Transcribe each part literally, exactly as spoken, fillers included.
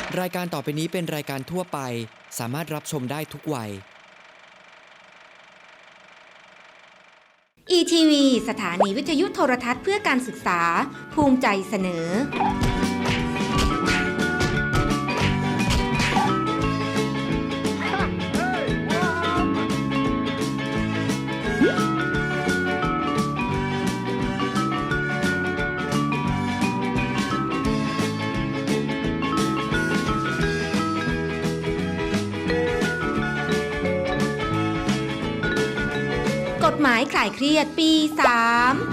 รายการต่อไปนี้เป็นรายการทั่วไปสามารถรับชมได้ทุกวัยอี ที วี สถานีวิทยุโทรทัศน์เพื่อการศึกษาภูมิใจเสนอกฎหมายคลายเครียดปี สาม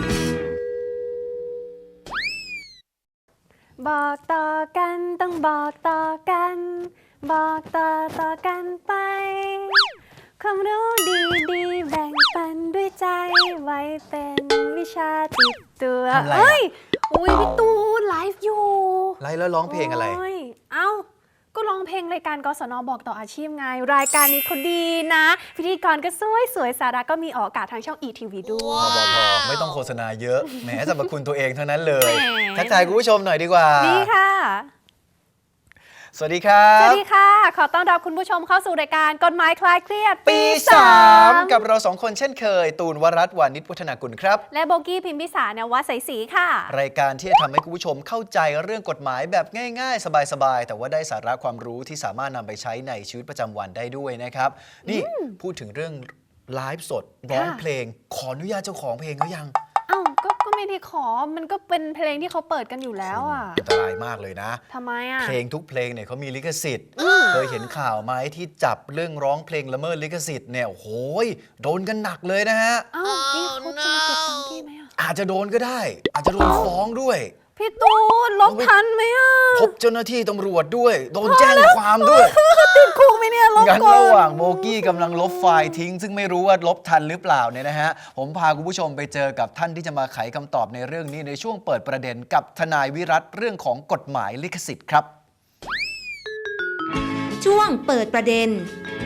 บอกต่อกันต้องบอกต่อกัน บอกต่อต่อกันไป ความรู้ดีดีแบ่งปันด้วยใจ ไว้เป็นวิชาติดตัวทำอะไรอะเอ้ยอุ้ยพี่ตูนไลฟ์อยู่ไลฟ์แล้วร้องเพลงอะไรโยเอ้าก็ร้องเพลงรายการกศนบอกต่ออาชีพไง รายการนี้เขาดีนะ พิธีกรก็สวยสวยสาระก็มีออกอากาศทางช่อง อี ที วี ด้วยพอพอพอไม่ต้องโฆษณาเยอะแหมสรรพคุณตัวเองทั้งนั้นเลยแหมทักทายคุณผู้ชมหน่อยดีกว่าดีค่ะสวัสดีครัสวับสดีค่ะ ขอต้อนรับคุณผู้ชมเข้าสู่รายการกฎหมายคลายเครียดปีสาสามมกับเราสองคนเช่นเคย ตูนวรัตน์วานิชวัฒนากุลครับและโบกี้พิมพิสารนวัดใสศรีค่ะรายการที่จะทำให้คุณผู้ชมเข้าใจเรื่องกฎหมายแบบง่ายๆ สบายๆ แต่ว่าได้สาระความรู้ที่สามารถนำไปใช้ในชีวิตประจำวันได้ด้วยนะครับ นี่พูดถึงเรื่องไลฟ์สดร้องค่ะเพลง ขออนุญาตเจ้าของเพลงเขายังเอ้าก็ก็ไม่ได้ขอ มันก็เป็นเพลงที่เขาเปิดกันอยู่แล้วอ่ะอันตรายมากเลยนะทำไมอ่ะเพลงทุกเพลงเนี่ยเขามีลิขสิทธิ์ เคยเห็นข่าวไหมที่จับเรื่องร้องเพลงละเมิดลิขสิทธิ์เนี่ยโอ้โหยโดนกันหนักเลยนะฮะเอ้ากี้เขาจะมาเก็บตังค์กี้ไหมอ่ะอาจจะโดนก็ได้ อาจจะโดนฟ้องด้วยพี่ตูนลบทันไหมอ่ะพบเจ้าหน้าที่ตำรวจด้วย โดนแจ้งความด้วยติดคุกไหมเนี่ยลบงั้นก่อนระหว่างโมกี้กำลังลบไฟล์ทิ้ง ซึ่งไม่รู้ว่าลบทันหรือเปล่าเนี่ยนะฮะ ผมพาคุณผู้ชมไปเจอกับท่านที่จะมาไขคำตอบในเรื่องนี้ในช่วงเปิดประเด็นกับทนายวิรัตเรื่องของกฎหมายลิขสิทธิ์ครับช่วงเปิดประเด็น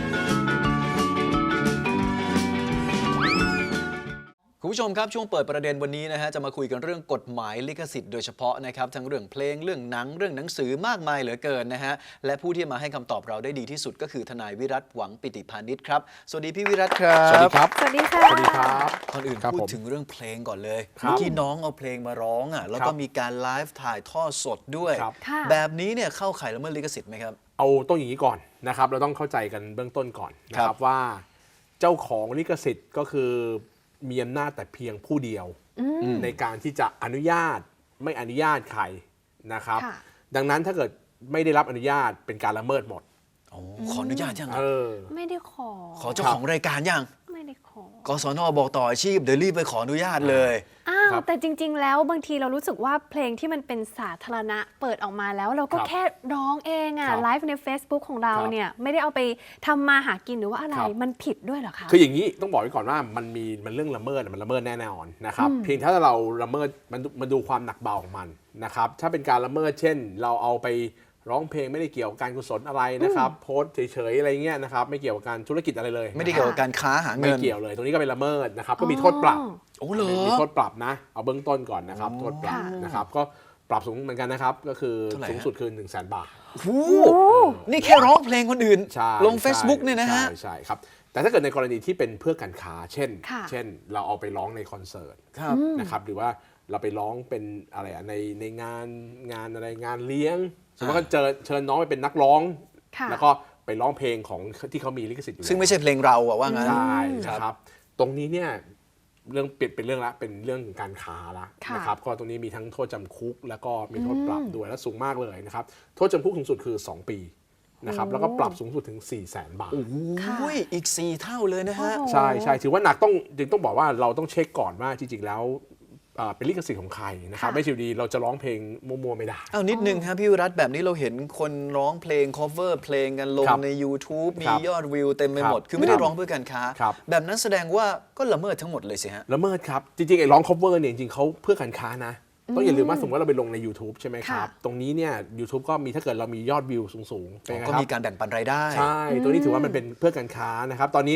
คุณผู้ชมครับช่วงเปิดประเด็นวันนี้นะฮะจะมาคุยกันเรื่องกฎหมายลิขสิทธิ์โดยเฉพาะนะครับทั้งเรื่องเพลงเรื่องหนังเรื่องหนังสือมากมายเหลือเกินนะฮะและผู้ที่มาให้คำตอบเราได้ดีที่สุดก็คือทนายวิรัตหวังปิติพานิชครับสวัสดีพี่วิรัตครับสวัสดีครับสวัสดีค่ะสวัสดีครับก่อนอื่นครับพูดผมถึงเรื่องเพลงก่อนเลยครับเมื่อกี้น้องเอาเพลงมาร้องอ่ะแล้วครัก็บมีการไลฟ์ถ่ายทอดสดด้วยครับค่ะแบบนี้เนี่ยเข้าข่ายละเมิดลิขสิทธิ์ไหมครับเอาต้องอย่างนี้ก่อนนะครับ เราต้องเข้าใจกันเบื้องต้นก่อนนะคครัรับบ ว่าเจ้าของลิขสิทธิ์ก็คือมีอำนาจแต่เพียงผู้เดียว ในการที่จะอนุญาตไม่อนุญาตใครนะครับค่ะดังนั้นถ้าเกิดไม่ได้รับอนุญาตเป็นการละเมิดหมดโอ้ขออนุญาตยังเออไม่ได้ขอขอเจ้าของรายการยังไม่ได้ขอกสนบอกต่ออาชีพเดี๋ยวรีบไปขออนุญาตเลยอ้าวครับแต่จริง ๆ แล้วบางทีเรารู้สึกว่าเพลงที่มันเป็นสาธารณะเปิดออกมาแล้ว เราก็ครับแค่ร้องเองอ่ะครับไลฟ์ใน Facebook ของเราครับเนี่ยไม่ได้เอาไปทำมาหากินหรือว่าอะไรครับมันผิดด้วยเหรอคะคืออย่างนี้ต้องบอกไว้ก่อนว่ามันมีมันเรื่องละเมิดมันละเมิดแน่นอนนะครับเพียงถ้าเราละเมิดมันมันดูความหนักเบาของมันนะครับถ้าเป็นการละเมิดเช่น เราเอาไปร้องเพลงไม่ได้เกี่ยวกับการกุศลอะไรนะครับโพสต์เฉยๆอะไรเงี้ยนะครับไม่เกี่ยวกับการธุรกิจอะไรเลยไม่ได้เกี่ยวกับการค้าหาไม่เงินเกี่ยวเลยตรงนี้ก็เป็นละเมิดนะครับก็มีโทษปรับโอ้เหรอมีโทษปรับนะเอาเบื้องต้นก่อนนะครับอ๋อโทษปรับค่ะนะครับก็ปรับสูงเหมือนกันนะครับก็คือเท่าไหร่ฮะสูงสุดคือหนึ่งแสนบาทโอ้โหนี่แค่ร้องเพลงคนอื่นใช่ลง Facebook เนี่ยนะฮะใช่ใช่ครับแต่ถ้าเกิดในกรณีที่เป็นเพื่อการค้าเช่นค่ะเช่นเราเอาไปร้องในคอนเสิร์ตครับนะครับหรือว่าเราไปร้องเป็นอะไรอะในในงานงานอะไรงานเลี้ยงสมมติว่าเจอเชิญน้องไปเป็นนักร้องค่ะแล้วก็ไปร้องเพลงของที่เขามีลิขสิทธิ์อยู่ซึ่งไม่ใช่เพลงเราอะว่างั้นใช่ครับนะครับตรงนี้เนี่ยเรื่องเปลี่ยนเป็นเรื่องละเป็นเรื่องการค้าละค่ะนะครับก็ตรงนี้มีทั้งโทษจำคุก แล้วก็มีโทษปรับด้วยและสูงมากเลยนะครับโทษจำคุกสูงสุดคือ สอง ปีนะครับแล้วก็ปรับสูงสุดถึง สี่แสนบาทโอ้ยอีกสี่เท่าเลยนะฮะโอ้โหใช่ใช่ถือว่าหนักต้องจึงต้องบอกว่าเราต้องเช็คก่อนว่าจริงๆแล้วอ่าเป็นลิขสิทธิ์ของใครนะครับค่ะไม่ใช่อยู่ดีเราจะร้องเพลงมั่วๆไม่ได้เอานิดนึงครับพี่วิรัตแบบนี้เราเห็นคนร้องเพลง cover เพลงกันลงครับใน YouTube มีครับยอดวิวเต็มไปหมดครับคือไม่ได้ครับร้องเพื่อการค้าครับแบบนั้นแสดงว่าก็ละเมิดทั้งหมดเลยสิฮะละเมิดครับ จริงๆไอ้ร้อง cover เนี่ยจริงๆเขาเพื่อการค้านะ ต้องอย่าลืมว่าสมมติว่าเราไปลงใน YouTube ใช่ไหมครับค่ะตรงนี้เนี่ย YouTube ก็มีถ้าเกิดเรามียอดวิวสูงๆเป็นไงก็ครับมีการแบ่งปันรายได้ใช่ ตัวนี้ถือว่ามันเป็นเพื่อการค้านะครับ ตอนนี้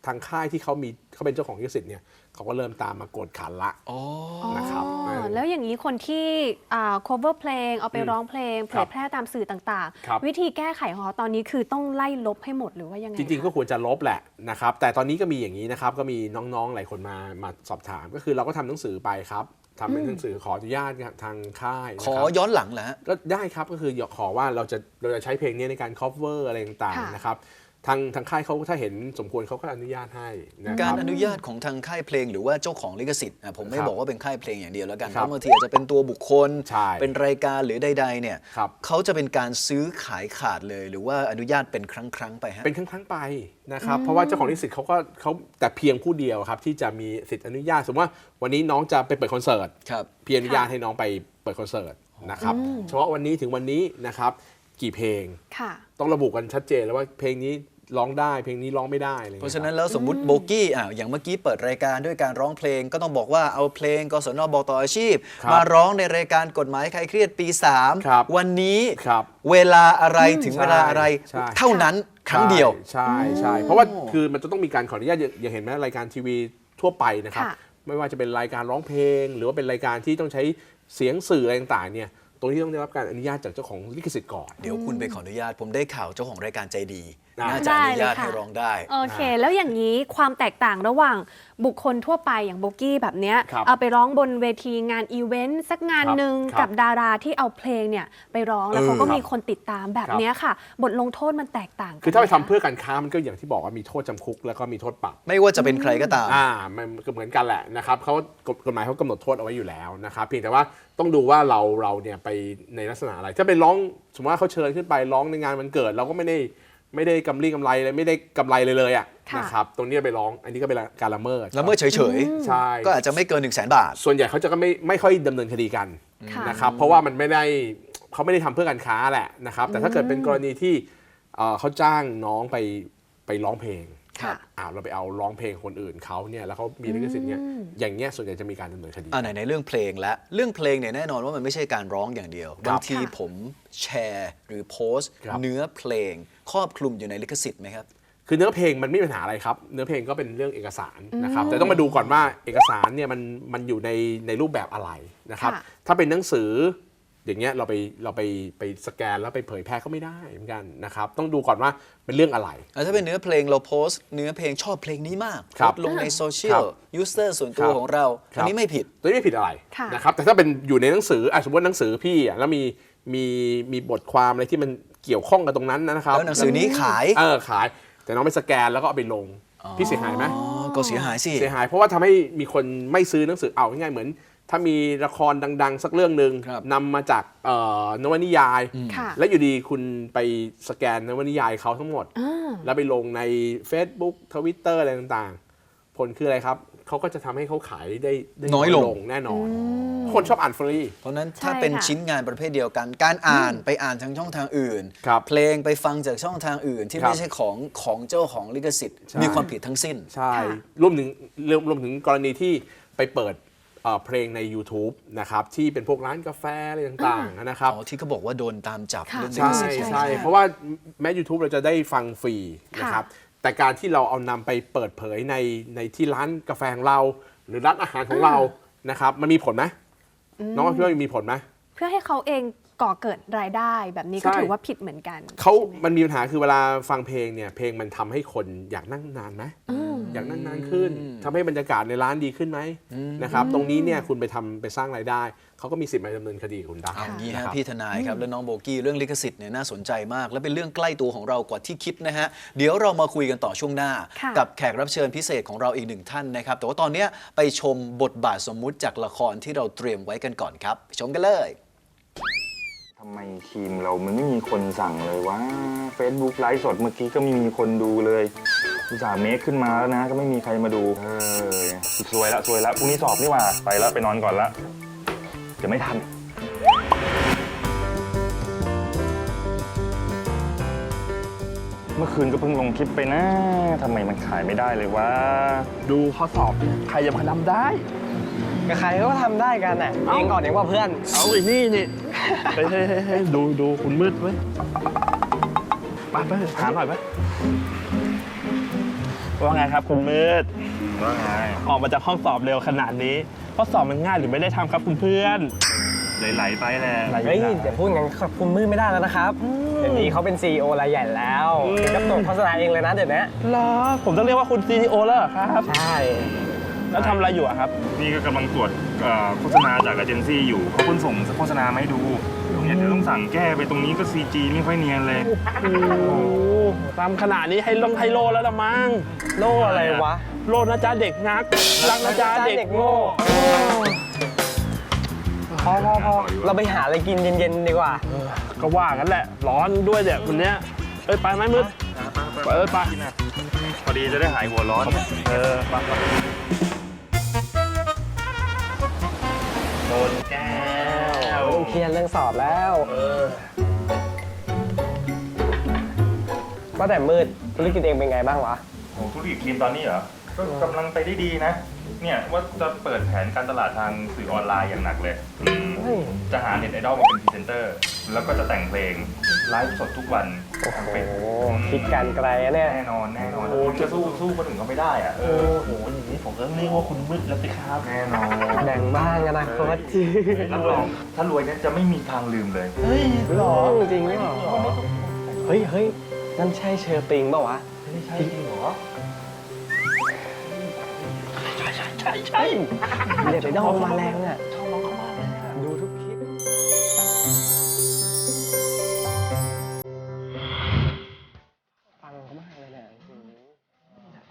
ทางค่ายที่เขามีเขาเป็นเจ้าของลิขสิทธิ์เนี่ยเขาก็เริ่มตามมากดขันละอ๋อนะครับอ๋อแล้วอย่างนี้คนที่อ่า cover เพลงเอาไปร้องเพลงเผยแพร่ตามสื่อต่างครับๆ วิธีแก้ไขของเขาตอนนี้คือต้องไล่ลบให้หมดหรือว่ายังไงจริงๆ ก็คะควรจะลบแหละนะครับแต่ตอนนี้ก็มีอย่างนี้นะครับก็มีน้องๆหลายคนมามาสอบถามก็คือเราก็ทำหนังสือไปครับทำเป็นหนังสือขออนุญาตทางค่ายนะขอครับย้อนหลังเหรอฮะก็ได้ครับก็คือขอว่าเราจะเราจะใช้เพลงนี้ในการ cover อะไรต่างค่ะๆนะครับทางทางค่ายเขาถ้าเห็นสมควรเขาก็อนุญาตให้นะคการรับอนุญาตของทางค่ายเพลงหรือว่าเจ้าของลิขสิทธิ์อ่ะผมไม่ครับบอกว่าเป็นค่ายเพลงอย่างเดียวแล้วกันคเพรับราะบางทีอาจจะเป็นตัวบุคคลใช่เป็นรายการหรือใดๆเนี่ยครับเขาจะเป็นการซื้อขายขาดเลย หรือว่าอนุญาตเป็นครั้งๆไปฮะเป็นครั้งๆไปนะครับเพราะว่าเจ้าของลิขสิทธิ์เขาก็เขาแต่เพียงผู้เดียวครับที่จะมีสิทธิ์อนุญาตสมมติว่าวันนี้น้องจะไปเปิดคอนเสิร์ตครับพี่อนุญาตให้น้องไปเปิดคอนเสิร์ตนะครับเฉพาะวันนี้ถึงวันนี้นะครับกี่เพลงค่ะต้องระบุกันชัดเจนแล้วว่าเพลงนี้ร้องได้เพลงนี้ร้องไม่ได้อะไรอย่งเพงี้ยราะฉะนั้นแล้วสมมุติโบกี้อ่ะอย่างเมื่อกี้เปิดรายการด้วยการร้องเพลง ก็ต้องบอกว่าเอาเพลงกศนบอกต่ออาชีพครับมาร้องในรายการกฎหมายใครเครียดปีสามครับวันนี้ครับเวลาอะไรถึงเวลาอะไรใช่เท่านั้นครั้งเดียวใช่ใช่เพราะว่าคือมันจะต้องมีการขออนุญาตอย่าอย่าเห็นไหมรายการทีวีทั่วไปนะครับค่ะไม่ว่าจะเป็นรายการร้องเพลง หรือว่าเป็นรายการที่ต้องใช้เสียงสื่ออะไรต่างๆเนี่ยตรงที่ต้องได้รับการอนุญาตจากเจ้าของลิขสิทธิ์ก่อนเดี๋ยวคุณไปขออนุญาตผมได้ข่าวเจ้าของรายการใจดีได้น่าจะอนุญาตได้เลยค่ะให้ร้องได้โอเค แล้วอย่างนี้ความแตกต่างระหว่างบุคคลทั่วไปอย่างโบกี้แบบเนี้ยครับเอาไปร้องบนเวทีงานอีเวนต์สักงานครับหนึ่งครับกับดาราที่เอาเพลงเนี่ยไปร้องแล้วเออเขาก็ครับมีคนติดตามแบบเนี้ยค่ะ บทลงโทษมันแตกต่างกันคือถ้าไปทำหมะเพื่อการค้ามันก็อย่างที่บอกว่ามีโทษจำคุกแล้วก็มีโทษปรับไม่ว่าจะเป็นใครก็ตามอ่ามันก็เหมือนกันแหละนะครับเขากฎหมายเขากำหนดโทษเอาไว้อยู่แล้วนะครับเพียงแต่ว่าต้องดูว่าเราเราเนี่ยไปในลักษณะอะไร ถ้าไปร้องสมมติว่าเขาเชิญขึ้นไปร้องในงานวันเกิด เราก็ไม่ได้ไม่ได้กำไรกำไรเลยไม่ได้กำไรเลยเลยอ่ะค่ะนะครับตรงนี้ไปร้องอันนี้ก็เป็นการละเมิดแล้วเมื่อเฉยใช่ๆ ก็อาจจะไม่เกิน1นึ่งแสนบาทส่วนใหญ่เขาจะก็ไม่ไม่ค่อยดำเนินคดีกันค่ะนะครับเพราะว่ามันไม่ได้เขาไม่ได้ทำเพื่อการค้าแหละนะครับแต่ถ้าเกิดเป็นกรณีที่เอ่อเขาจ้างน้องไปไปร้องเพลงค่ะอ้าวเราไปเอาร้องเพลงคนอื่นเขาเนี่ยแล้วเขามีลิขสิทธิ์เนี่ยอย่างเงี้ยส่วนใหญ่จะมีการดำเนินคดีอ่าไหนในเรื่องเพลงและเรื่องเพลงเนี่ยแน่นอนว่ามันไม่ใช่การร้องอย่างเดียวครับบางทีค่ะผมแชร์หรือโพสต์ครับเนื้อเพลงครอบคลุมอยู่ในลิขสิทธิ์ไหมครับคือเนื้อเพลงมันไม่มีปัญหาอะไรครับ เนื้อเพลงก็เป็นเรื่องเอกสารนะครับ แต่ต้องมาดูก่อนว่าเอกสารเนี่ยมันมันอยู่ในในรูปแบบอะไรนะครับค่ะถ้าเป็นหนังสืออย่างเงี้ยเราไปเราไปไปสแกนแล้วไปเผยแพร่ก็ไม่ได้เหมือนกันนะครับ ต้องดูก่อนว่าเป็นเรื่องอะไรแล้วถ้าเป็นเนื้อเพลงเราโพสต์เนื้อเพลงชอบเพลงนี้มากครับโพสต์ลงในโซเชียครัลบยูสเตอร์ส่วนตัวครับของเราครับอันนี้ไม่ผิดตัวนี้ไม่ผิดอะไรค่ะนะครับแต่ถ้าเป็นอยู่ในหนังสืออ่ะสมมติหนังสือพี่อ่ะแล้วมีมีมีบทความอะไรที่มันเกี่ยวข้องกับตรงนั้นนะครับแล้วหนังสือนี้ขายเออขาย แต่น้องไปสแกนแล้วก็เอาไปลงพี่เสียหายไหมอ๋อก็เสียหายสิเสียหายเพราะว่าทำให้มีคนไม่ซื้อหนังสือเอาง่ายๆเหมือน ถ้ามีละครดัง ๆ สักเรื่องหนึ่งครับนำมาจากเอ่อนวนิยายค่ะแล้วอยู่ดีคุณไปสแกนนวนิยายเขาทั้งหมดอ่าแล้วไปลงใน Facebook Twitter อะไรต่างๆ ผลคืออะไรครับ เขาก็จะทำให้เขาขายได้ได้น้อยลงแน่นอน คนชอบอ่านฟรีเพราะฉะนั้นใช่ถ้าเป็นค่ะชิ้นงานประเภทเดียวกัน การอ่านไปอ่านทางช่องทางอื่นครับเพลงไปฟังจากช่องทางอื่น ที่ครับไม่ใช่ของของเจ้าของลิขสิทธิ์ใช่มีความผิดทั้งสิ้นใช่ค่ะรวมถึงรวมรวมถึงกรณีที่ไปเปิดเอ่อเพลงใน YouTube นะครับที่เป็นพวกร้านกาแฟอะไรต่างๆนะครับอ๋อที่เขาบอกว่าโดนตามจับค่ะเรื่องลิใช่ขสิทธิ์ใช่ใช่เพราะว่าแม้ YouTube เราจะได้ฟังฟรีค่ะนะครับแต่การที่เราเอานำไปเปิดเผยในในที่ร้านกาแฟของเรา หรือร้านอาหารของเรานะครับมันมีผลไหมน้องคิดว่ามีผลไหมเพื่อให้เขาเองก่อเกิดรายได้แบบนี้ก็ใช่ถือว่าผิดเหมือนกันเขาใช่ไหมมันมีปัญหาคือเวลาฟังเพลงเนี่ยเพลงมันทำให้คนอยากนั่งนานไหมอยากนั่งนานขึ้นทำให้บรรยากาศในร้านดีขึ้นไหมนะครับตรงนี้เนี่ยคุณไปทำไปสร้างรายได้เขาก็มีสิทธิ์มาดำเนินคดีกับคุณได้เอางี้นะฮะครับพี่ทนายครับและน้องโบกี้เรื่องลิขสิทธิ์เนี่ยน่าสนใจมาก และเป็นเรื่องใกล้ตัวของเรากว่าที่คิดนะฮะเดี๋ยวเรามาคุยกันต่อช่วงหน้าค่ะกับแขกรับเชิญพิเศษของเราอีกหนึ่งท่านนะครับแต่ว่าตอนเนี้ยไปชมบทบาทสมมุติจากละครที่เราเตรียมไว้กันก่อนครับไปชมกันเลยทำไมทีมเรามันไม่มีคนสั่งเลยว่า Facebook ไลฟ์สดเมื่อกี้ก็ไม่มีคนดูเลยอุตส่าห์เมคขึ้นมาแล้วนะ ก็ไม่มีใครมาดูเออสวยละสวยละพรุ่งนี้สอบนี่หว่าไปละไปนอนก่อนละเดี๋ยวไม่ทัน เมื่อคืนก็เพิ่งลงคลิปไปนะทำไมมันขายไม่ได้เลยวะดูข้อสอบใครจะมาทำได้กับใครก็ทำได้กันน่ะเองก่อนเองว่าเพื่อนเอาไอ้นี่นี่ เฮ้ยเฮ้ยเฮ้ยเฮ้ยดูดูคุณมืดเว้ยไปไปถามหน่อยไปว่าไงครับคุณมืดว่าไงออกมาจากห้องสอบเร็วขนาดนี้ข้อสอบมันง่ายหรือไม่ได้ทำครับคุณเพื่อนไหลๆไปแหละเฮ้ยเดี๋ยวพูดงั้นกับคุณมืดไม่ได้แล้วนะครับเดี๋ยวนี้เขาเป็น ซี อี โอ รายใหญ่แล้วถึงกับตัวโฆษณาเองเลยนะเดี๋ยวนี้เหรอผมต้องเรียกว่าคุณ ซี อี โอ แล้วเหรอครับใช่แล้วทำอะไรอยู่อะครับนี่ก็กำลังตรวจเอ่อโฆษณาจากเอเจนซี่อยู่เขาเพิ่งส่งโฆษณามาให้ดูเนี่ยเดี๋ยวต้องสั่งแก้ไปตรงนี้ก็ ซี จี ไม่ค่อยเนียนเลยโอ้โหตามขนาดนี้ให้ลงไฮโลแล้วละมั้งโลอะไรวะโลนะจ๊ะเด็กนักรักนะจ๊ะเด็กโง่พอพอพอเราไปหาอะไรกินเย็นๆดีกว่าก็ว่ากันแหละร้อนด้วยเนี่ยคนเนี้ยเอ้ยไปไหมมืดไปเอ้ยไปพอดีจะได้หายหัวร้อนเออไปไปโดนแก้วต้องเคลียร์เรื่องสอบแล้วว่าแต่มืดธุรกิจเองเป็นไงบ้างวะโอ้ธุรกิจครีมตอนนี้เหรอ ก็กำลังไปได้ดีนะ เนี่ยว่าจะเปิดแผนการตลาดทางสื่อออนไลน์อย่างหนักเลยอืมเฮ้ยจะหาเน็ตไอดอลมาเป็นพรีเซนเตอร์ แล้วก็จะแต่งเพลงไลฟ์สดทุกวันทางเฟซโอ้บุ๊กคิดการไกลอะเนี่ยแน่นอนแน่นอนคุณจะสู้สู้คนอื่นเขาไม่ได้อะเออโอ้โหอย่างนี้ผมก็เรียกว่าคุณมืดแล้วสิครับแน่นอนแบ่งบ้างอนาคตรับรองถ้ารวยเนี่ยจะไม่มีทางลืมเลยเฮ้ยหรอจริงหรอเฮ้ยเฮ้ยนั่นใช่เชอร์ปิงเปล่าวะไม่ใช่จริงเหรอใช่ใช่เด็ดไปดองมาแรงอ่ะชอบน้องเขามากเลยอะดูทุกคลิปฟังเขามากเลยเนี่ยจริง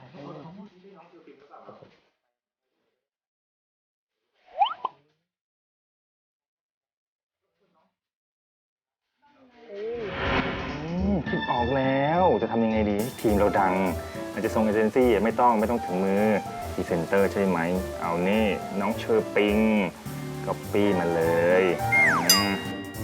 อืมคิดออกแล้วจะทำยังไงดีทีมเราดังอาจจะส่งเอเจนซี่ไม่ต้องไม่ต้องถึงมือพรีเซนเตอร์ใช่ไหมเอานี่น้องเชอร์ปิงก๊อปปี้มาเลยอ่า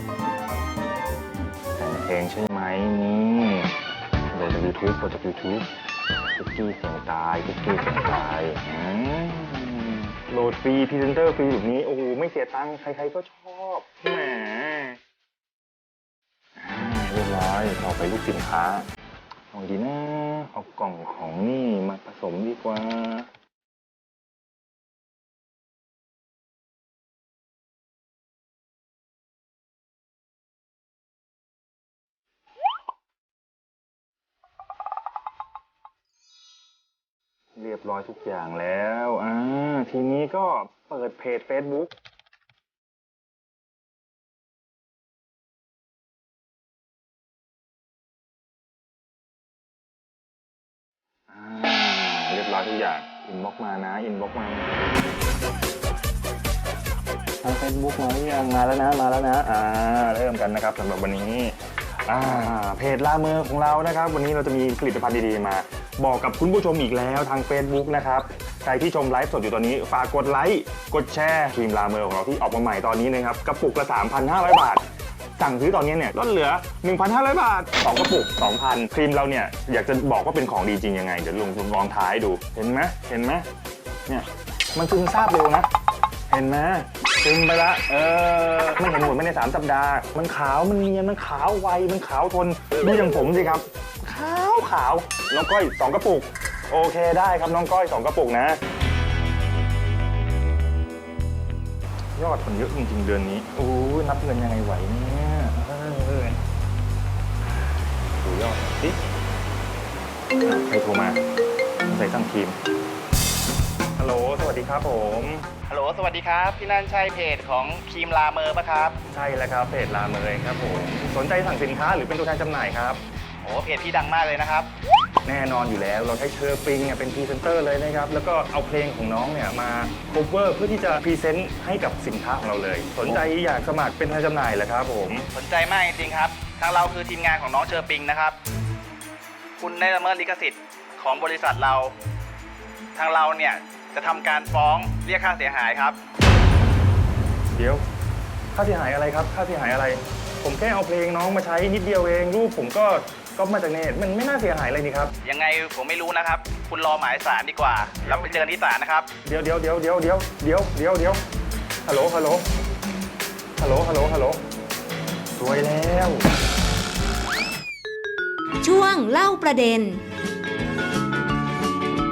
แต่งเพลงใช่ไหมนี่โหลดจากยูทูบโหลดจากยูทูบคุกกี้เสียงตายคุกกี้เสียงตายอืมโหลดฟรีพรีเซนเตอร์ฟรีแบบนี้โอ้โหไม่เสียตังค์ใครๆก็ชอบแหม เรียบร้อยต่อไปลูกสินค้าเอาดีนะเอากล่องของนี่มาผสมดีกว่าเรียบร้อยทุกอย่างแล้วอ่าทีนี้ก็เปิดเพจ Facebookเรียบร้อยทุกอย่างอินบ็อกมานะอินบ็อกมาทางเฟซบุ๊กมาหรือยังมาแล้วนะมาแล้วนะอ่าเริ่มกันนะครับสำหรับวันนี้อ่าเพจลาเมอร์ของเรานะครับวันนี้เราจะมีผลิตภัณฑ์ดีๆมาบอกกับคุณผู้ชมอีกแล้วทาง Facebook นะครับใครที่ชมไลฟ์สดอยู่ตอนนี้ฝากกดไลค์กดแชร์ครีมลาเมอร์ของเราที่ออกมาใหม่ตอนนี้นะครับกระปุกละ สามพันห้าร้อย บาทสั่งซื้อตอนนี้เนี่ยลดเหลือ หนึ่งพันห้าร้อย บาทสองกระปุก สองพัน ครีมเราเนี่ยอยากจะบอกว่าเป็นของดีจริงยังไงเดี๋ยวลองลองท้ายดูเห็นไหมเห็นไหมเนี่ยมันซึมซาบเร็วนะเห็นไหมซึมไปละเออมันเห็นหมดไม่ในสามสัปดาห์มันขาวมันเนียนมันขาวไวมันขาวทนดูอย่างผมสิครับขาวขาวน้องก้อยสองกระปุกโอเคได้ครับน้องก้อยสองกระปุกนะยอดมันเยอะจริงๆเดือนนี้โอ้ยนับเงินยังไงไหวเนี่ยเออดูยอดสิใครโทรมาใส่สั่งทีมฮัลโหลสวัสดีครับผมฮัลโหลสวัสดีครับพี่นันใช่เพจของครีมลาเมอร์ปะครับใช่แล้วครับเพจลาเมอร์ครับผมสนใจสั่งสินค้าหรือเป็นตัวแทนจำหน่ายครับโอ้เพจพี่ดังมากเลยนะครับแน่นอนอยู่แล้วเราใช้เชอร์ปิงเนี่ยเป็นพรีเซนเตอร์เลยนะครับแล้วก็เอาเพลงของน้องเนี่ยมาโคเวอร์เพื่อที่จะพรีเซนต์ให้กับสินค้าของเราเลยสนใจอยากสมัครเป็นตัวแทนจำหน่ายเหรอครับผมสนใจมากจริงๆครับทางเราคือทีมงานของน้องเชอร์ปิงนะครับคุณได้ละเมิดลิขสิทธิ์ของบริษัทเราทางเราเนี่ยจะทำการฟ้องเรียกค่าเสียหายครับเดี๋ยวค่าเสียหายอะไรครับค่าเสียหายอะไรผมแค่เอาเพลงน้องมาใช้นิดเดียวเองรูปผมก็ก็มาจากเน็ตมันไม่น่าเสียหายอะไรนี่ครับยังไงผมไม่รู้นะครับคุณรอหมายศาลดีกว่าแล้วไปเจอกันที่ศาลนะครับเดี๋ยวเดี๋ยวเดี๋ยวเดี๋ยวเดี๋ยวเดี๋ยวเดี๋ยวเดี๋ยวฮัลโหลฮัลโหลฮัลโหลฮัลโหลฮัลโหลสวยแล้วช่วงเล่าประเด็น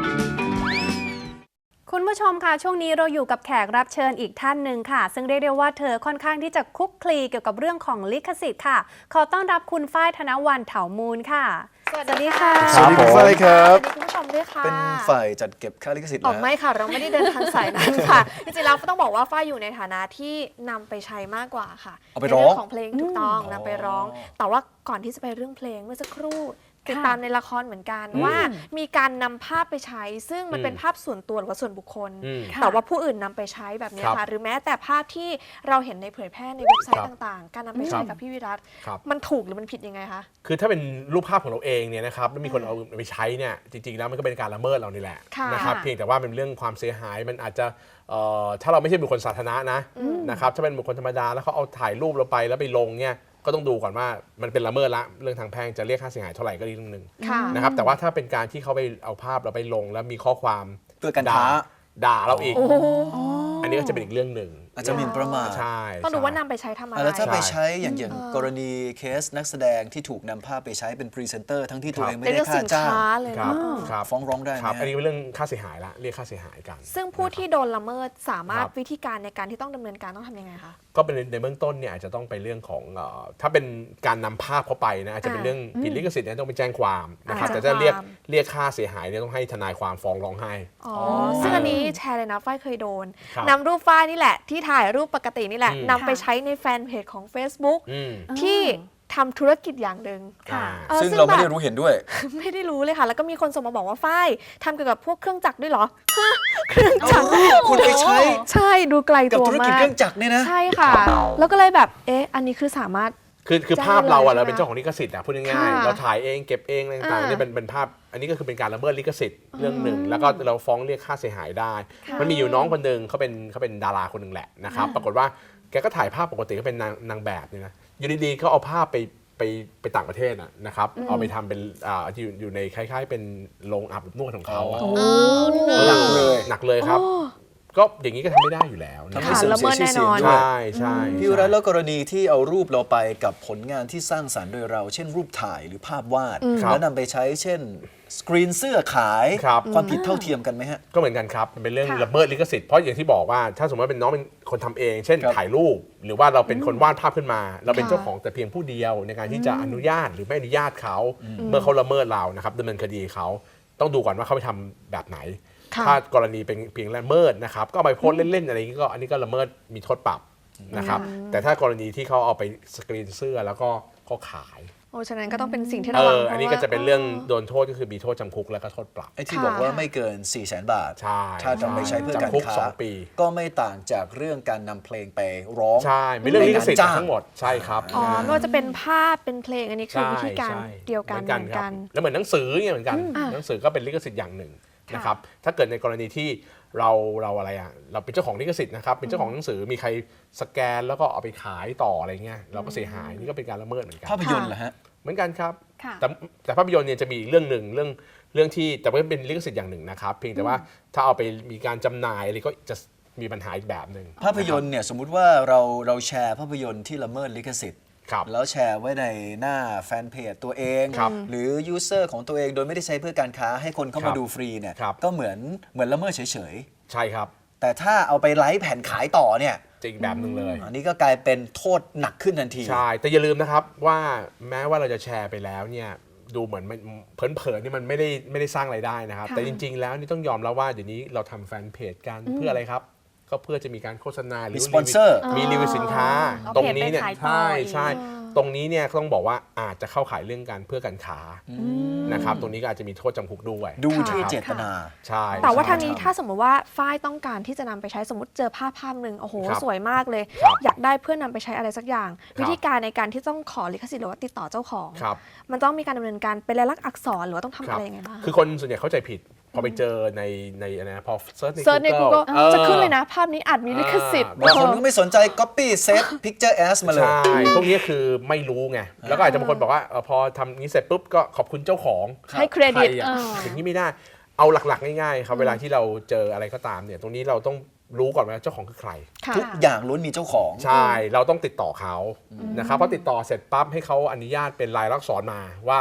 ผู้ชมค่ะช่วงนี้เราอยู่กับแขกรับเชิญอีกท่านหนึ่งค่ะซึ่งเรียกได้ว่าเธอค่อนข้างที่จะคลุกคลีเกี่ยวกับเรื่องของลิขสิทธิ์ค่ะขอต้อนรับคุณฝ้ายธนวรรณเถามูลค่ะสวัสดีค่ะสวัสดีคุณฝ้ายครับสวัสดีคุณผู้ชมด้วยค่ะเป็นฝ่ายจัดเก็บค่าลิขสิทธิ์อ๋อนะไม่ค่ะ เราไม่ได้เดินทางสายนั้นค่ะ จริงๆแล้วต้องบอกว่าฝ้ายอยู่ในฐานะที่นำไปใช้มากกว่าค่ะเอาไปในร้องเรื่องของเพลงถูกต้องอ๋อนำไปร้อง แต่ว่าก่อนที่จะไปเรื่องเพลงเมื่อสักครู่ติดตามในละครเหมือนกันว่ามีการนำภาพไปใช้ ซึ่งมันเป็นภาพส่วนตัวหรือว่าส่วนบุคคลอืมแต่ว่าผู้อื่นนำไปใช้แบบนี้ครับค่ะ หรือแม้แต่ภาพที่เราเห็นในเผยแพร่ในเว็บไซครัต์บต่างๆ การนำไปใช้กับพี่วิรัตครับมันถูกหรือมันผิดยังไงคะคือถ้าเป็นรูปภาพของเราเองเนี่ยนะครับแล้วมีคนเอาไปใช้เนี่ยจริงๆแล้วมันก็เป็นการละเมิดเรานี่แหละค่ะนะครับเพียงแต่ว่าเป็นเรื่องความเสียหายมันอาจจะเอ่อถ้าเราไม่ใช่บุคคลสาธารณะนะนะครับถ้าเป็นบุคคลธรรมดาแล้วเขาเอาถ่ายรูปเราไปแล้วไปลงเนี่ยก็ต้องดูก่อนว่ามันเป็นละเมิดละเรื่องทางแพ่งจะเรียกค่าเสียหายเท่าไหร่ก็อีกเรื่องหนึ่งค่ะนะครับแต่ว่าถ้าเป็นการที่เขาไปเอาภาพเราไปลงแล้วมีข้อความเพื่อการด่าค้าด่าเราอีกโอ้โหอันนี้ก็จะเป็นอีกเรื่องหนึ่งอาจจะหมิ่นประมาทใช่ต้องดูใช่ว่านำไปใช้ทำอะไรอ่ะแล้วถ้าไปใช่ใช้อย่างอย่างกรณีเคสนักแสดงที่ถูกนำภาพไปใช้เป็นพรีเซนเตอร์ทั้งที่ตัวเองไม่เป็นได้เรื่องค่าสินจ้างค้าเลยครับเนาะครับฟ้องร้องได้ไหมครับฮะอันนี้เป็นเรื่องค่าเสียหายละเรียกค่าเสียหายกันซึ่งผู้ที่โดนละเมิดสามารถครับวิธีการในการที่ต้องดำเนินการต้องทำยังไงคะก็เป็นในเบื้องต้นเนี่ยอาจจะต้องไปเรื่องของเอ่อถ้าเป็นการนำภาพเข้าไปนะอาจจะเป็นเรื่องผิดลิขสิทธิ์เนี่ยต้องไปแจ้งความนะครับอ่าแต่ถ้าเรียกแจ้งความเรียกค่าเสียหายเนี่ยต้องให้ทนายความฟ้องร้องให้อ๋อ ซึ่งอันนี้แชร์เลยนะฝ้ายเคยโดนครับนำรูปฝ้ายนี่แหละ ที่ถ่ายรูปปกตินี่แหละอืมนำไปใช้ในแฟนเพจของ Facebook อืมที่ทำธุรกิจอย่างหนึ่งอ่าออซึ่งเราไม่ได้แบบรู้เห็นด้วยไม่ได้รู้เลยค่ะ แล้วก็มีคนส่งมาบอกว่าฝ้ายทำเกี่ยวกับพวกเครื่องจักรด้วยเหรอฮะเครื่องจักรคุณไปใช้ใช่ดูไกลกับตัวธุรกิจมาเคกรื่องจักรเนี่ยนะใช่ค่ะ แล้วก็เลยแบบเอ๊ะอันนี้คือสามารถคือคือแจ้งภาพเราอะเลยเราเป็นเจ้าของลิขสิทธิ์อะพูดง่ายค่ะๆเราถ่ายเองเก็บเองอะไรต่างๆอ่าเนี่ยเป็นเป็นภาพอันนี้ก็คือเป็นการละเมิดลิขสิทธิ์เรื่องหนึ่งแล้วก็เราฟ้องเรียกค่าเสียหายได้ค่ะมันมีอยู่น้องคนหนึ่งเขาเป็นเขาเป็นดาราคนหนึ่งแหละนะครับปรากฏว่าแกก็ถ่ายภาพปกติก็เป็นนางนางแบบเนี่ยนะอยู่ดีๆเขาเอาภาพไปไปไปต่างประเทศอะนะครับเอาไปทำเป็นอ่าอยู่อยู่ในคล้ายๆ เป็นโรงอาบอบนวดของเขาอะหนักเลยหนักเลยครับ ก็อย่างนี้ก็ทำไม่ได้อยู่แล้วนะทำคให้รับเสื่อมละเสีเมิยดชื่อเสียงแน่นอนด้วยใช่ใช่พี่วรัตน์แล้วกรณีที่เอารูปเราไปกับผลงานที่สร้างสรรค์โดยเรา เช่นรูปถ่ายหรือภาพวาด แล้วนำไปใช้เช่น สกรีนเสื้อขายครับความผิดเท่าเทียมกันไหมฮะก็เหมือนกันครับ มันเป็นเรื่องค่ะละเมิดลิขสิทธิ์ เพราะอย่างที่บอกว่าถ้าสมมติว่าเป็นน้องเป็นคนทำเอง เช่นครับถ่ายรูป หรือว่าเราเป็นคนวาดภาพขึ้นมา เราเป็นค่ะเจ้าของแต่เพียงผู้เดียวในการที่จะอนุญาตหรือไม่อนุญาตเขาเมื่อเขาละเมิดเรานะครับดำเนินคดีเขาต้องดูก่อนว่าเขาไปทำแบบไหนค่ะถ้ากรณีเป็นเพียงละเมิดนะครับก็เอาไปโพสต์เล่นๆอะไรอย่างนี้ก็อันนี้ก็ละเมิดมีโทษปรับนะครับแต่ถ้ากรณีที่เขาเอาไปสกรีนเสื้อแล้วก็เขาขายโอ้ฉะนั้นก็ต้องเป็นสิ่งที่เอระวังอเพราะอันนี้ว่าก็จะเป็นเรื่องโดนโทษก็คือมีโทษจำคุกแล้วก็โทษปรับไอ้ที่ค่ะบอกว่าไม่เกิน 4 0 0 0 0 0 บาทใช่ถ้าจะไปใช้เพื่อการจำคุกค้าสองปีก็ไม่ต่างจากเรื่องการนำเพลงไปร้องใช่ไม่เรื่องลิขสิทธิ์ในงานจ้างทั้งหมดใช่ครับอ๋อไม่ว่าจะเป็นภาพเป็นเพลงอันนี้คือใช่วิธีการใช่เดียวกันเหเหมืมือนอนกักัน นครับแล้วเหมือนหนังสือเนี่ยเหมือนกันอ่าหนังสือก็เป็นลิขสิทธิ์อย่างหนึ่งนะครับถ้าเกิดในกรณีที่เราเราอะไรอ่ะเราเป็นเจ้าของลิขสิทธิ์นะครับเป็นเจ้าของหนังสือมีใครสแกนแล้วก็เอาไปขายต่ออะไรเงี้ยเราก็เสียหายนี่ก็เป็นการละเมิดเหมือนกันภาพยนตร์เหรอฮะเหมือนกันครับค่ะแต่แต่ภาพยนตร์เนี่ยจะมีอีกเรื่องหนึ่งเรื่องเรื่องที่แต่ว่าเป็นลิขสิทธิ์อย่างหนึ่งนะครับเพียงแต่ว่าถ้าเอาไปมีการจำหน่ายอะไรก็จะมีปัญหาอีกแบบหนึ่งภาพยนตร์เนี่ยสมมุติว่าเราเราแชร์ภาพยนตร์ที่ละเมิดลิขสิทธิ์ครับแล้วแชร์ไว้ในหน้าแฟนเพจตัวเองครับหรือยูเซอร์ของตัวเองโดยไม่ได้ใช้เพื่อการค้าให้คนเข้าครัมาบดูฟรีเนี่ยครับก็เหมือนเหมือนละเมิดเฉยใช่ครับๆ แต่ถ้าเอาไปไลฟ์แผ่นขายต่อเนี่ยจะอีกแบบหนึ่งเลยอันนี้ก็กลายเป็นโทษหนักขึ้นทันทีใช่ แต่อย่าลืมนะครับว่าแม้ว่าเราจะแชร์ไปแล้วเนี่ยดูเหมือนมันเผลอๆนี่มันไม่ได้ไม่ได้สร้างรายได้นะครับค่ะแต่จริงๆ แล้วนี่ต้องยอมรับว่าเดี๋ยวนี้เราทำแฟนเพจกันเพื่ออะไรครับ ก็เพื่อจะมีการโฆษณาหรือมีสปอนเซอร์มีรีวิวสินค้าเอาตรงเพจนี้เนี่ยไปขายต่อใช่อีกใช่ตรงนี้เนี่ยต้องบอกว่าอาจจะเข้าขายเรื่องการเพื่อการค้านะครับตรงนี้ก็อาจจะมีโทษจำคุกด้วยดูที่นะครับเจตนาใช่แต่ว่าใช่ทางนี้ถ้าสมมติว่าฝ้ายต้องการที่จะนำไปใช้สมมติเจอภาพภาพหนึ่งโอ้โหครับสวยมากเลยครับอยากได้เพื่อนำไปใช้อะไรสักอย่างครับวิธีการในการที่ต้องขอลิขสิทธิ์หรือว่าติดต่อเจ้าของครับมันต้องมีการดำเนินการเป็นลายลักษณ์อักษรหรือว่าต้องทำครัอะบไรยังไงบ้างคือคนส่วนใหญ่เข้าใจผิด พอไปเจอในในอะไรนะพอเซิร์ชในเซิร์ชใน Google Google จะขึ้นเลยนะ ภาพนี้อาจมีลิขสิทธิ์บางคนก็ไม่สนใจ copy save picture as มาเลยใช่ พวกนี้คือไม่รู้ไง แล้วก็อาจจะบางคนบอกว่าเออพอทำนี้เสร็จปุ๊บก็ขอบคุณเจ้าของให้เครดิตใคอะเอออย่างนี้ไม่ได้ เอาหลักๆง่ายๆครับเวลาที่เราเจออะไรก็ตามเนี่ย ตรงนี้เราต้องรู้ก่อนว่าเจ้าของคือใครค่ะทุกอย่างล้วนมีเจ้าของใช่ เราต้องติดต่อเขานะครับพอติดต่อเสร็จปั๊บให้เขาอนุญาตเป็นลายลักษณ์อักษรมาว่า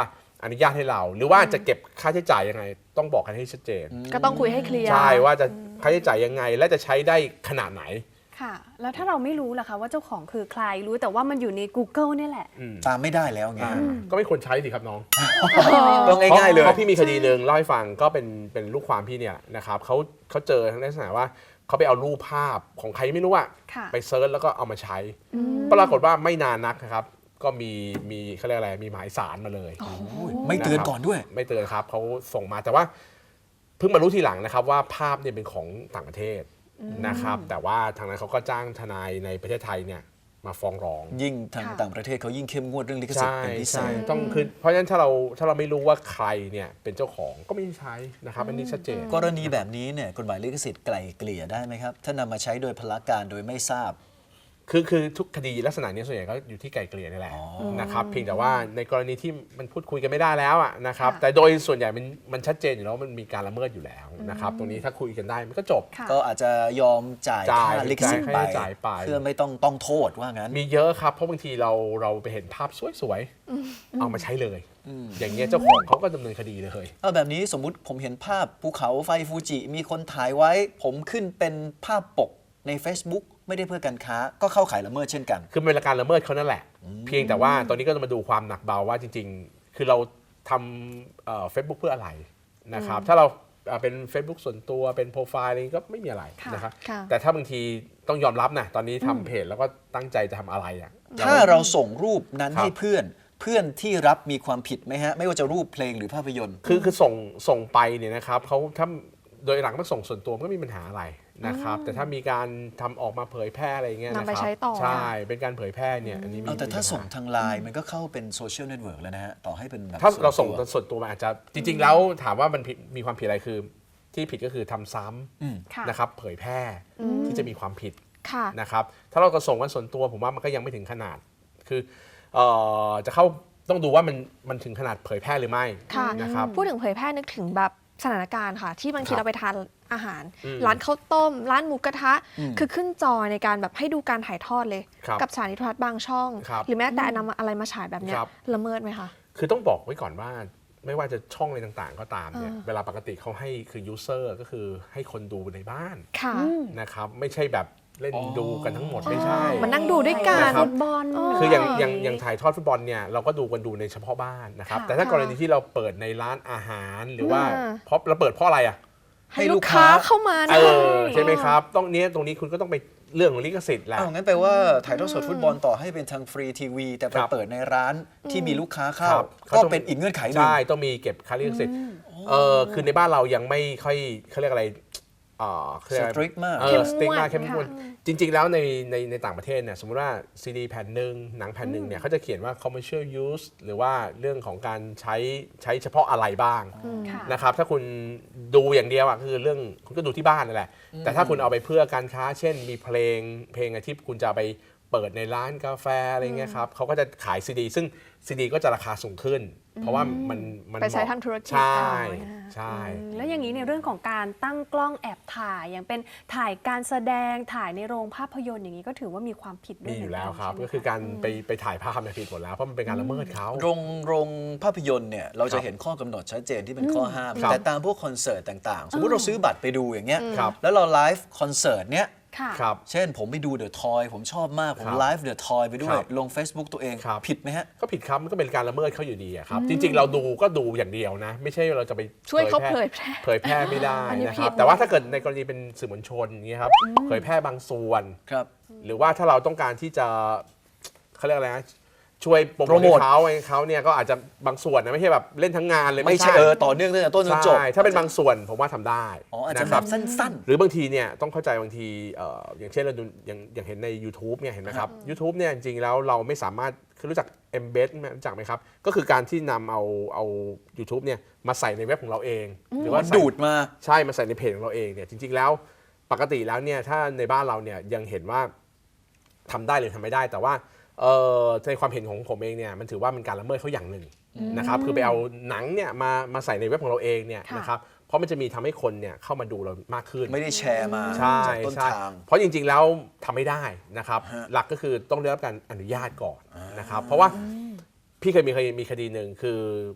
อนุญาตให้เรา หรือว่าจะเก็บค่าใช้จ่ายยังไงต้องบอกกันให้ชัดเจนก็ต้องคุยให้เคลียร์ใช่ว่าจะค่าใช้จ่ายยังไงและจะใช้ได้ขนาดไหนค่ะ แล้วถ้าเราไม่รู้ล่ะคะว่าเจ้าของคือใครรู้แต่ว่ามันอยู่ใน Google เนี่ยแหละตามไม่ได้แล้วไงอ่าก็ไม่ควรใช้สิครับน้องต้องง่ายๆเลยเพราะพี่มีคดีหนึ่งเล่าให้ฟังก็เป็นเป็นลูกความพี่เนี่ยนะครับเขาเขาเจอทั้งลักษณะว่าเขาไปเอารูปภาพของใครไม่รู้อะค่ะไปเซิร์ชแล้วก็เอามาใช้ ปรากฏว่าไม่นานนักนะครับก็มีมีเขาเรียกอะไรมีหมายสารมาเลยไม่เตือนก่อนด้วยไม่เตือนครับเขาส่งมาแต่ว่าเพิ่งมารู้ทีหลังนะครับว่าภาพเนี่ยเป็นของต่างประเทศนะครับแต่ว่าทางนั้นเขาก็จ้างทนายในประเทศไทยเนี่ยมาฟ้องร้องยิ่งทางค่ะต่างประเทศเขายิ่งเข้มงวดเรื่องลิขสิทธิ์ใช่เป็นพิเศใช่ษต้องคือเพราะฉะนั้นถ้าเราถ้าเราไม่รู้ว่าใครเนี่ยเป็นเจ้าของก็ไม่ได้ใช้นะครับอันนี้ชัดเจนกรณีแบบนี้เนี่ยกฎหมายลิขสิทธิ์ไกล่เกลี่ยได้ไหมครับ ถ้านำมาใช้โดยพละการโดยไม่ทราบคือคือทุกคดีลักษณะนี้ส่วนใหญ่ก็อยู่ที่ไกลเกลี่ยนี่แหละนะครับเพียงแต่ว่าในกรณีที่มันพูดคุยกันไม่ได้แล้วอะนะครับแต่โดยส่วนใหญ่มันมันชัดเจนอยู่แล้วมันมีการละเมิดอยู่แล้วนะครับตรงนี้ถ้าคุยกันได้มันก็จบค่ะก็อาจจะยอมจ่ายจ่ายค่าลิขสิทธิ์ไปจ่ายจ่ายไปเพื่อไม่ต้องต้องโทษว่างั้นมีเยอะครับเพราะบางทีเราเราไปเห็นภาพสวยๆเอามาใช้เลย อย่างเงี้ยเจ้าของเขาก็ดำเนินคดีเลยเอาแบบนี้สมมุติผมเห็นภาพภูเขาไฟฟูจิมีคนถ่ายไว้ ผมขึ้นเป็นภาพปกใน Facebook ไม่ได้เพื่อการค้าก็เข้าข่ายละเมิดเช่นกันคือเป็นการละเมิดเขานั่นแหละ เพียงแต่ว่าตอนนี้ก็จะมาดูความหนักเบาว่าจริงๆ คือเราทำเฟซบุ๊กเพื่ออะไรนะครับถ้าเราเอ่อเป็น Facebook ส่วนตัวเป็นโปรไฟล์อะไรก็ไม่มีอะไรค่ะนะครับค่ะแต่ถ้าบางทีต้องยอมรับนะตอนนี้ทำเพจแล้วก็ตั้งใจจะทำอะไรอ่ะถ้าเราส่งรูปนั้นครับให้เพื่อน เพื่อนที่รับมีความผิดไหมฮะ ไม่ว่าจะรูปเพลงหรือภาพยนตร์คือคือส่งส่งไปเนี่ยนะครับเขาถ้าโดยหลักมันส่งส่วนตัวมันก็ไม่มีปัญหาอะไรนะครับแต่ถ้ามีการทำออกมาเผยแพร่อะไรอย่างเงี้ยนะคนำไปรับใช้ต่อใช่เป็นการเผยแพร่เนี่ยอันนี้มีเอาแต่ถ้าปัญหส่งทางไลน์มันก็เข้าเป็นโซเชียลเน็ตเวิร์กแล้วนะฮะ ต่อให้เป็นแบบถ้าเราส่งวนตัวส่วนตัวมันอาจจะจริง ๆ แล้วถามว่ามันผิดมีความผิดอะไรคือ ที่ผิดก็คือทำซ้ค่ะำนะครับเผยแพร่ที่จะมีความผิดค่ะนะครับถ้าเราก็ส่งกันส่วนตัวผมว่ามันก็ยังไม่ถึงขนาด คือเอ่อจะเข้าต้องดูว่ามันมันถึงขนาดเผยแพร่หรือไม่ค่ะนะครับพูดถึงเผยแพร่นึกถึงแบบสถานการณ์ค่ะ ที่บางทีครับเราไปทานอาหารอืมร้านข้าวต้ม ร้านหมูกระทะอืมคือขึ้นจอในการแบบให้ดูการถ่ายทอดเลยครับกับสถานีโทรทัศน์บางช่องครับหรือแม้แต่นำอะไรมาฉายแบบเนี้ยครับละเมิดไหมคะคือต้องบอกไว้ก่อนว่าไม่ว่าจะช่องอะไรต่างๆ ก็ตามเนี่ยอ่าเวลาปกติเขาให้คือ user ก็คือให้คนดูในบ้านค่ะนะครับไม่ใช่แบบเล่นดูกันทั้งหมดไม่ใช่มันนั่งดูด้วยกันนะครับฟุตบอลคืออย่างอย่างอย่างถ่ายทอดฟุตบอลเนี่ยเราก็ดูกันดูในเฉพาะบ้านนะครับค่ะแต่ถ้ากรณีที่เราเปิดในร้านอาหารหรือว่าอ่าเพราะเราเปิดเพราะอะไรอ่ะให้ลูกค้าเข้ามาเอด้วยอใช่ไหมครับต้องเนี้ยตรงนี้คุณก็ต้องไปเรื่องของลิขสิทธิ์แหละอ้าวงั้นแปลว่าถ่ายทอดสดฟุตบอลต่อให้เป็นทางฟรีทีวีแต่ไปครับเปิดในร้านที่มีลูกค้าเข้าครับก็เป็นอีกเงื่อนไขหนึ่งใช่ต้องมีเก็บค่าลิขสิทธิ์เออคือในบ้านเรายังไม่ค่อยเขาเรียกอะไรเอ่อเขาเรียกอะไร strict มากเอเข้อมงวดสติ๊กมากเข้มงวดค่ะจริง ๆ แล้วในในในต่างประเทศเนี่ยสมมติว่าซีดีแผ่นหนึ่งหนังแผ่นหนึ่งเนี่ยเขาจะเขียนว่า commercial use หรือว่าเรื่องของการใช้ใช้เฉพาะอะไรบ้างค่ะนะครับถ้าคุณดูอย่างเดียวอ่ะคือเรื่องคุณก็ดูที่บ้านนั่นแหละ แต่ถ้าคุณเอาไปเพื่อการค้า เช่นมีเพลงเพลงที่คุณจะไปเปิดในร้านกาแฟอะไรเงี้ยครับเขาก็จะขายซีดีซึ่งซีดีก็จะราคาสูงขึ้น เพราะว่ามันมันไปใช้เหมาะทำธุรกิจใช่เอาใช่แล้วอย่างนี้ในเรื่องของการตั้งกล้องแอบถ่ายอย่างเป็นถ่ายการแสดงถ่ายในโรงภาพยนตร์อย่างนี้ก็ถือว่ามีความผิดด้วมียอยู่แล้วเหมืนนครับใช่ไหมก็คือการไปไปถ่ายภาพเนี่ยผิดหมดแล้วเพราะมันเป็นการละเมิดเขาโรงโรงภาพยนตร์เนี่ยเราคจะรับเห็นข้อกำหนดชัดเจนที่เป็นข้อห้ามครับแต่ตามพวกคอนเสิร์ตต่างๆ สมมติเราซื้อบัตรไปดูอย่างเงี้ยครับแล้วเราไลฟ์คอนเสิร์ตเนี้ยค่ะครับเช่นผมไปดูเดอะทอยผมชอบมาก ผมครับไลฟ์เดอะทอยไปด้วคยรับลง Facebook ตัวเองครับผิดไหมฮะก็ผิดครับมันก็เป็นการละเมิดเขาอยู่ดีอะครับจริง ๆ เราดูก็ดูอย่างเดียวนะ ไม่ใช่เราจะไปช่วยเขาแพร่เผยแพร่เผยแพร่ไม่ได้อันนี้นะคผิรัดบแต่ว่าถ้าเกิดในกรณีเป็นสื่อมวลชนอย่างเงี้ยครับเผยแพร่บางส่วนครับหรือว่าถ้าเราต้องการที่จะเขาเรียกอะไรนะช่วยโปรโปรโมโมททเขาให้เขาเนี่ยก็อาจจะบางส่วนนะไม่ใช่แบบเล่นทั้งงานเลยไม่ใช่เออต่อเนื่องตั้งแต่ต้นจนจบใช่ถ้าเป็นบางส่วนผมว่าทำได้อ๋ออาจจะนะคแบรับบสั้นหรือบางทีเนี่ยต้องเข้าใจบางทีเอ่ออย่างเช่นเราดูอย่างอย่างเห็นใน YouTube เนี่ยเห็นไหมครับ YouTube เนี่ยจริงๆแล้วเราไม่สามารถคือรู้จัก embed ไหมรู้จักไหมครับ ก็คือการที่นำเอาเอา YouTube เนี่ยมาใส่ในเว็บของเราเอง หรือว่าๆใส่ดูดมาใช่มาใส่ในเพจของเราเองเนี่ยจริงๆแล้วปกติแล้วเนี่ยถ้าในบ้านเราเนี่ยยังเห็นว่าทำได้หรือทำไม่ได้แต่ว่าเอ่อในความเห็นของผมเองเนี่ยมันถือว่าเป็นการละเมิดเขาอย่างหนึ่งนะครับคือไปเอาหนังเนี่ยมามาใส่ในเว็บของเราเองเนี่ยค่ะนะครับเพราะมันจะมีทำให้คนเนี่ยเข้ามาดูเรามากขึ้นไม่ได้แชร์มาใช่จากต้นใช่ทางเพราะจริงๆแล้วทำไม่ได้นะครับฮะหลักก็คือต้องได้รับการอนุญาตก่อนนะครับเพราะว่าพี่เคยมีเคยมีคดีหนึ่งคือ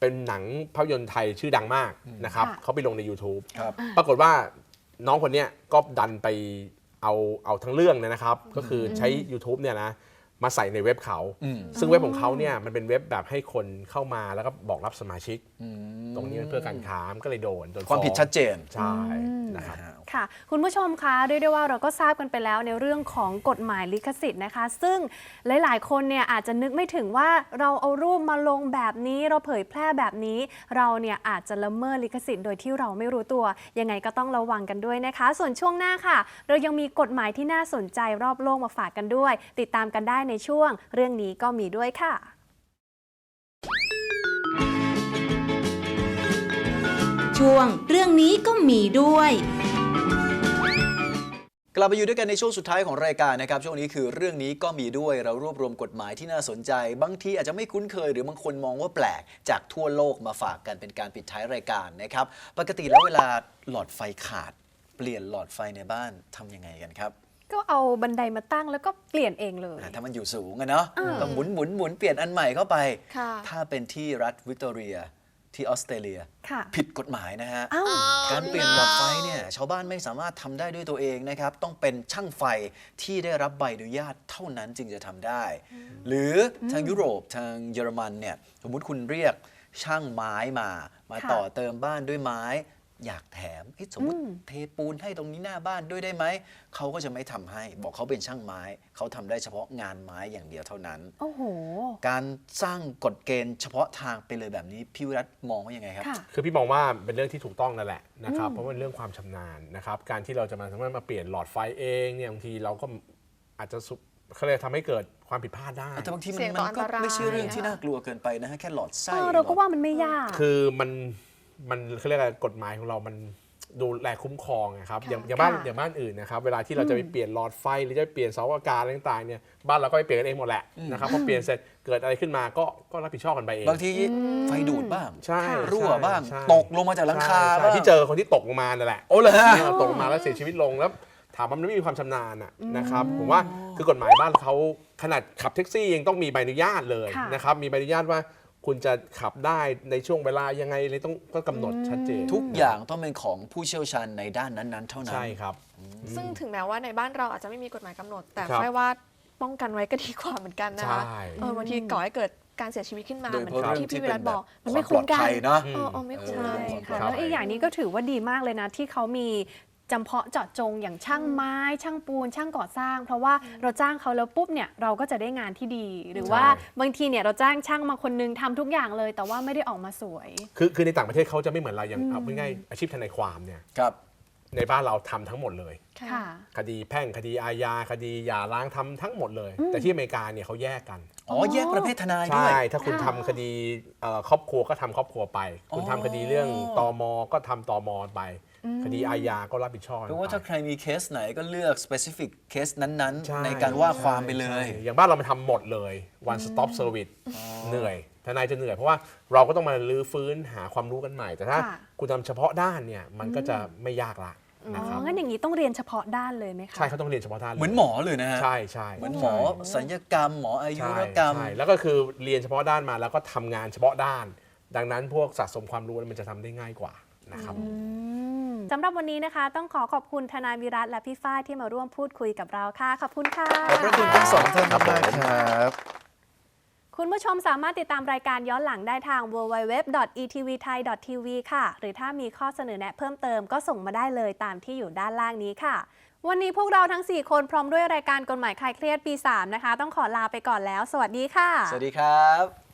เป็นหนังภาพยนตร์ไทยชื่อดังมากนะครับค่ะเขาไปลงใน YouTube ครับปรากฏว่าน้องคนเนี้ยก็ดันไปเอาเอาทั้งเรื่องเนี่ยนะครับ ก็คือใช้ YouTube เนี่ยนะมาใส่ในเว็บเขาอืมซึ่งเว็บของเขาเนี่ยมันเป็นเว็บแบบให้คนเข้ามาแล้วก็บอกรับสมาชิก ตรงนี้มันเพื่อการค้ามก็เลยโดนโดนความผิดฟ้องชัดเจนใช่นะครับค่ะคุณผู้ชมคะเรียกได้ว่าเราก็ทราบกันไปแล้วในเรื่องของกฎหมายลิขสิทธิ์นะคะ ซึ่งหลายๆ คนเนี่ยอาจจะนึกไม่ถึงว่าเราเอารูปมาลงแบบนี้เราเผยแพร่แบบนี้ เราเนี่ยอาจจะละเมิดลิขสิทธิ์โดยที่เราไม่รู้ตัวยังไงก็ต้องระวังกันด้วยนะคะ ส่วนช่วงหน้าค่ะ เรายังมีกฎหมายที่น่าสนใจรอบโลกมาฝากกันด้วย ติดตามกันได้ในช่วงเรื่องนี้ก็มีด้วยค่ะช่วงเรื่องนี้ก็มีด้วยกลับมาอยู่ด้วยกันในช่วงสุดท้ายของรายการนะครับช่วงนี้คือเรื่องนี้ก็มีด้วยเรารวบรวมกฎหมายที่น่าสนใจ บางทีอาจจะไม่คุ้นเคยหรือบางคนมองว่าแปลกจากทั่วโลกมาฝากกันเป็นการปิดท้ายรายการนะครับปกติแล้วเวลาหลอดไฟขาด เปลี่ยนหลอดไฟในบ้านทำยังไงกันครับก็เอาบันไดมาตั้งแล้วก็เปลี่ยนเองเลยอ่าถ้ามันอยู่สูงอะเนาะอ่าก็หมุนหมุนหมุนเปลี่ยนอันใหม่เข้าไปค่ะถ้าเป็นที่รัฐวิกตอเรียที่ออสเตรเลียค่ะผิดกฎหมายนะฮะอ้าวการเปลี่ยนหลอดไฟเนี่ยชาวบ้านไม่สามารถทำได้ด้วยตัวเองนะครับ ต้องเป็นช่างไฟที่ได้รับใบอนุญาตเท่านั้นจึงจะทำได้ หรือทางยุโรปทางเยอรมันเนี่ยสมมุติคุณเรียกช่างไม้มา มาค่ะต่อเติมบ้านด้วยไม้ อยากแถมเอ๊ะสมมติอืมเทปูนให้ตรงนี้หน้าบ้านด้วยได้ไหมเขาก็จะไม่ทำให้ บอกเขาเป็นช่างไม้เขาทำได้เฉพาะงานไม้อย่างเดียวเท่านั้นโอ้โหการสร้างกฎเกณฑ์เฉพาะทางไปเลยแบบนี้พี่วิรัตมองว่ายังไงครับค่ะคือพี่มองว่าเป็นเรื่องที่ถูกต้องนั่นแหละนะครับเพราะว่าเป็นเรื่องความชำนาญนะครับการที่เราจะมาสามารถมาเปลี่ยนหลอดไฟเองเนี่ยบางทีเราก็อาจจะสุเขาเลยกทำให้เกิดความผิดพลาดได้แต่บางทีมัเสี่นยงต่มัอนก็อันตรายไม่ใช่เรื่องที่น่ากลัวเกินไปนะฮะแค่หลอดไส้เออเราก็ว่ามันไม่ยากคือมันมันเขาเรียกอะไรกฎหมายของเรามันดูแลคุ้มครองนะครับค่ะอย่างอย่างบ้านค่ะอย่างบ้านอื่นนะครับเวลาที่เราจะไปเปลี่ยนหลอดไฟหรือจะไปเปลี่ยนเสาอากาศอะไรต่างๆเนี่ยบ้านเราก็ไปเปลี่ยนกันเองหมดแหละนะครับพอเปลี่ยนเสร็จเกิดอะไรขึ้นมาก็ก็รับผิดชอบกันไปเองบางทีไฟดูดบ้างใช่รั่วบ้างใช่ตกลงมาจากหลังคาใช่บ้างที่เจอคนที่ตกลงมานั่นแหละโอ้เลยฮะเนี่ยตกลงมาแล้วเสียชีวิตลงแล้วถามว่ามันไม่มีความชำนาญอะนะครับผมว่าคือกฎหมายบ้านเขาขนาดขับแท็กซี่ยังต้องมีใบอนุญาตเลยค่ะนะครับมีใบอนุญาตว่าคุณจะขับได้ในช่วงเวลายังไงเลยต้องก็กำหนดชัดเจนทุกอย่างต้องเป็นของผู้เชี่ยวชาญในด้านนั้นๆ เท่านั้นใช่ครับซึ่งถึงแม้ว่าในบ้านเราอาจจะไม่มีกฎหมายกำหนด แต่ครับค่อยว่าป้องกันไว้ก็ดีกว่าเหมือนกันนะคะใช่เออบางทีก่อให้เกิดการเสียชีวิตขึ้นมาโดยเหมือนเฉพาะที่พี่วิรัตบอกเรื่มัอน งที่ไม่เป็นคุ้นกันความปลอดภัยเนอะเออเออไม่คุ้นใช่เลยค่ะครับแล้วอีกอย่างนี้ก็ถือว่าดีมากเลยนะที่เขามีจำเพาะเจาะจงอย่างช่างไม้ ช่างปูน ช่างก่อสร้าง เพราะว่าเราจ้างเขาแล้วปุ๊บเนี่ยเราก็จะได้งานที่ดี หรือว่าบางทีเนี่ยเราจ้างช่างมาคนนึงทำทุกอย่างเลย แต่ว่าไม่ได้ออกมาสวยคือคือในต่างประเทศเขาจะไม่เหมือนเราอย่างเอาง่ายๆอาชีพทนายความเนี่ยครับในบ้านเราทำทั้งหมดเลยค่ะคดีแพ่งคดีอาญาคดีหย่าร้างทำทั้งหมดเลย แต่ที่อเมริกาเนี่ยเขาแยกกันอ๋อแยกประเภททนายด้ใช่วยถ้าคุณทำคดีเอ่อครอบครัวก็ทำครอบครัวไป คุณอ๋อทำคดีเรื่องตมก็ทำตมไป คดีอาญาก็รับผิดชอบแปลว่าถ้าไปใครมีเคสไหนก็เลือก specific เคสนั้นใช่ๆ ในการว่าความไปเลยใช่อย่างบ้านเรามาทำหมดเลย one stop service เหนื่อยทนายจะเหนื่อยเพราะว่าเราก็ต้องมาลื้อฟื้นหาความรู้กันใหม่ แต่ถ้าค่ะคุณทำเฉพาะด้านเนี่ยมันก็จะไม่ยากละอ๋นะครับองั้นอย่างนี้ต้องเรียนเฉพาะด้านเลยไหมคะใช่เขาต้องเรียนเฉพาะด้านลยเหมือนหมอเลยนะฮะใช่ใช่เหมือนหมอศัลยกรรม หมออายุใช่รกรรมใช่แล้วก็คือเรียนเฉพาะด้านมาแล้วก็ทำงานเฉพาะด้าน ดังนั้นพวกสะสมความรู้มันจะทำได้ง่ายกว่านะครับอืมสำหรับวันนี้นะคะ ต้องขอขอบคุณทนายวิรัตและพี่ฝ้ายที่มาร่วมพูดคุยกับเราค่ะ ขอบคุณค่ะขอบพระคุณทั้งสองท่านมากๆครับคุณผู้ชมสามารถติดตามรายการย้อนหลังได้ทาง ดับเบิลยู ดับเบิลยู ดับเบิลยู ดอท อี ที วี ไทย ดอท ที วี ค่ะ หรือถ้ามีข้อเสนอแนะเพิ่มเติมก็ส่งมาได้เลยตามที่อยู่ด้านล่างนี้ค่ะ วันนี้พวกเราทั้ง สี่ คนพร้อมด้วยรายการกฎหมายคลายเครียดปี สาม นะคะ ต้องขอลาไปก่อนแล้ว สวัสดีค่ะสวัสดีครับ